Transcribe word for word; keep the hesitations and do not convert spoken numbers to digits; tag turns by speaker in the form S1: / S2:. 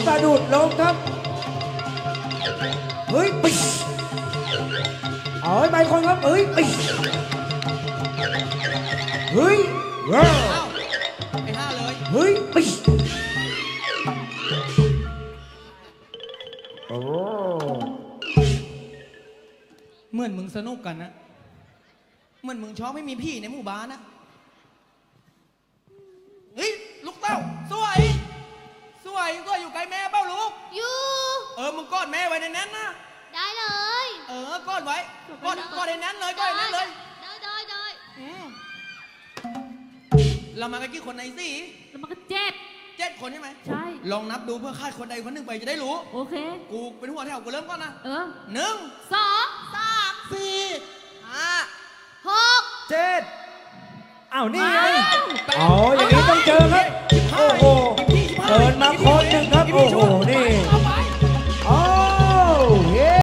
S1: สะดุดล้มครับเฮ้ยปิ๊ชอ๋อไปคนครับเฮ้ยปิ๊ชเฮ้ยว้าว
S2: ไอ้ห้าเลย
S1: เฮ้ยปิ๊ชโอ้
S2: เหมือนมึงสนุกกันนะเหมือนมึงชอบไม่มีพี่ในหมู่บ้านนะเฮ้ยลูกเต้าสวยสวยก็อยู่ใกล้แม่เป้าลูก
S3: อยู่
S2: เออมึงกอดแม่ไว้ในนั้นนะ
S3: ได้เลย
S2: เออกอดไว้กอดกอดในนั้นเลยกอดในนั้นเลย
S3: ได้ได้ได้
S2: อืมเรามากันกี่คนในสี่
S4: แล้วมันก็เจ็บ
S2: เจ็ดคนใช่ไหม
S4: ใช่
S2: ลองนับดูเพื่อคาดคนใดคนหนึ่งไปจะได้รู้
S4: โอเค
S2: กูเป็นหัวแถวกูเริ่มก่อนนะ
S4: เออ
S2: หนึ่ง
S4: สอง
S3: สาม
S2: สี่ห้า
S3: หก
S1: เจ็ดอ้าวนี่ไง
S2: แปด
S1: อ๋ออย่างนี้ต้องเจอครับ